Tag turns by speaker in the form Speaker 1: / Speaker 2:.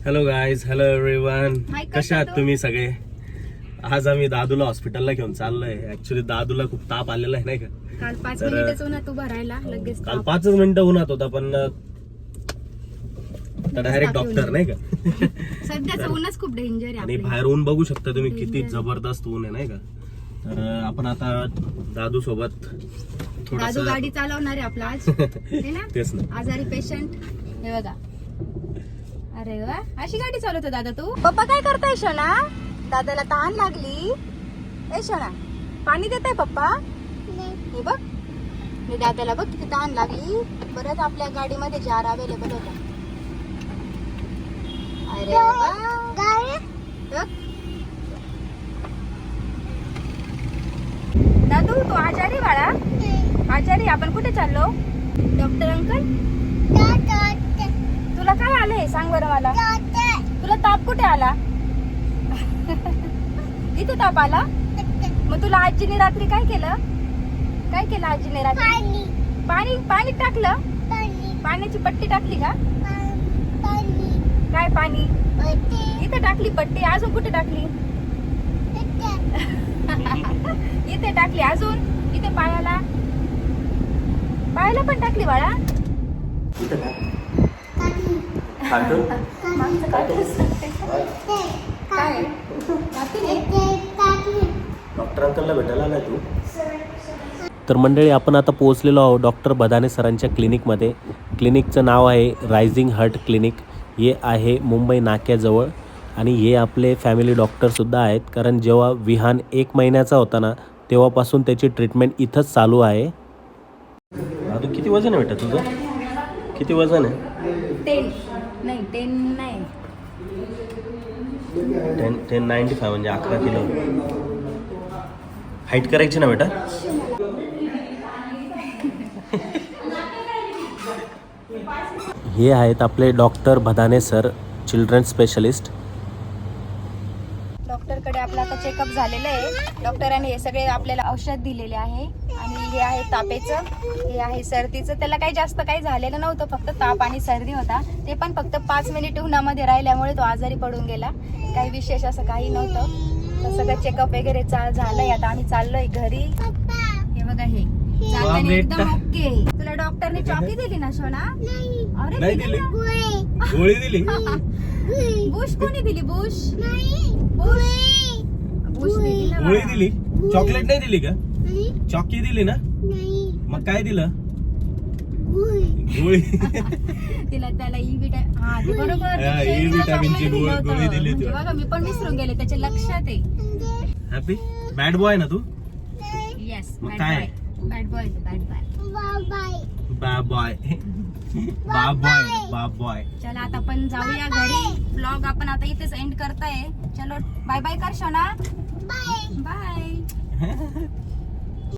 Speaker 1: Hello guys, hello everyone. कशा आहात तुम्ही सगळे? आज आम्ही दादूला हॉस्पिटलला घेऊन चाललोय. ऍक्च्युली दादूला खूप ताप आलेला आहे नाही का.
Speaker 2: काल 5 मिनिटच उन्हात उभा राहिला लगेच
Speaker 1: काल 5 मिनिटं उन्हात होता, पण डायरेक्ट डॉक्टर नाही का.
Speaker 2: सध्याचं ऊनच खूप डेंजर आहे
Speaker 1: आणि बाहेर ऊन बघू शकता तुम्ही, किती जबरदस्त ऊन आहे नाही का. तर आपण आता दादू सोबत
Speaker 2: दादू गाडी चालवणार आहे आपला आज. है ना?
Speaker 1: तेच ना.
Speaker 2: आजारी पेशंट हे बघा. अरे वा, अशी गाडी चालवतो दादा तू. पप्पा काय करताय शोना? दादाला तहान लागली. ए शोना, पाणी देताय पप्पा? हे बघ, मी दादाला बघ किती तहान लागली. परत आपल्या गाडीमध्ये जार अवेलेबल होता. अरे वा, बघ. दादू तू आजारी बाळा? आजारी? आपण कुठे चाललो? डॉक्टर अंकल, तुला काय आलंय सांग बरं मला. तुला ताप कुठे आला? इथे ताप आला? मग तुला आजीने रात्री काय केलं? काय केलं आजीने रात्री? पाणी पाणी टाकलं? पाण्याची पट्टी टाकली का? काय पाणी? इथे टाकली पट्टी. अजून कुठे टाकली? इथे टाकली. अजून इथे पायाला पण टाकली बाळा. काय
Speaker 1: डॉक्टर अंकलला भेटायला आलाय तू? तर मंडळी, आपण आता पोहोचलेलो आहोत डॉक्टर बदाने सरांच्या क्लिनिकमध्ये. क्लिनिकचं नाव आहे रायझिंग हार्ट क्लिनिक. हे आहे मुंबई नाक्याजवळ. आणि हे आपले फॅमिली डॉक्टरसुद्धा आहेत, कारण जेव्हा विहान 1 महिन्याचा होता ना, तेव्हापासून त्याची ट्रीटमेंट इथंच चालू आहे. दादू, किती वजन आहे बेटा तुझं? किती वजन आहे?
Speaker 2: 10 नाही
Speaker 1: 1095 म्हणजे 11 किलो. हाईट करायची ना बेटा? हे आहेत आपले doctor Badane sir, children specialist.
Speaker 2: डॉक्टरकडे आपलं आता चेकअप झालेलं आहे. डॉक्टरांनी हे सगळे आपल्याला औषध दिलेले आहे. आणि हे आहे तापेचं, हे आहे सर्दीचं. त्याला काही जास्त काही झालेलं नव्हतं, फक्त ताप आणि सर्दी होता. ते पण फक्त 5 मिनिट उन्हामध्ये राहिल्यामुळे तो आजारी पडून गेला. काही विशेष असं काही नव्हतं. तर सगळं चेकअप वगैरे झालंय. आता आम्ही चाललोय घरी. हे बघा, हे जाताना एकदम ओके. तुला डॉक्टरने चॉकी दिली ना सोना? अरे
Speaker 1: नाही दिली. गोळी दिली.
Speaker 2: बुश कोणी दिली? बुश दिली ना.
Speaker 1: गोळी दिली. चॉकलेट नाही दिली का? चॉकी दिली ना? मग काय दिलं? गोळी.
Speaker 2: तिला त्याला बरोबर
Speaker 1: ई विटामिनची गोळी दिली.
Speaker 2: बघा, मी पण विसरून गेले, त्याच्या लक्षात आहे.
Speaker 1: हॅपी बॅड बॉय ना तू?
Speaker 2: येस,
Speaker 1: मग काय?
Speaker 2: Bad boy.
Speaker 1: Bad boy.
Speaker 2: चला आता आपण जाऊया घरी. व्लॉग आपण आता इथेच एंड करताय. चलो बाय बाय कर शोना. बाय.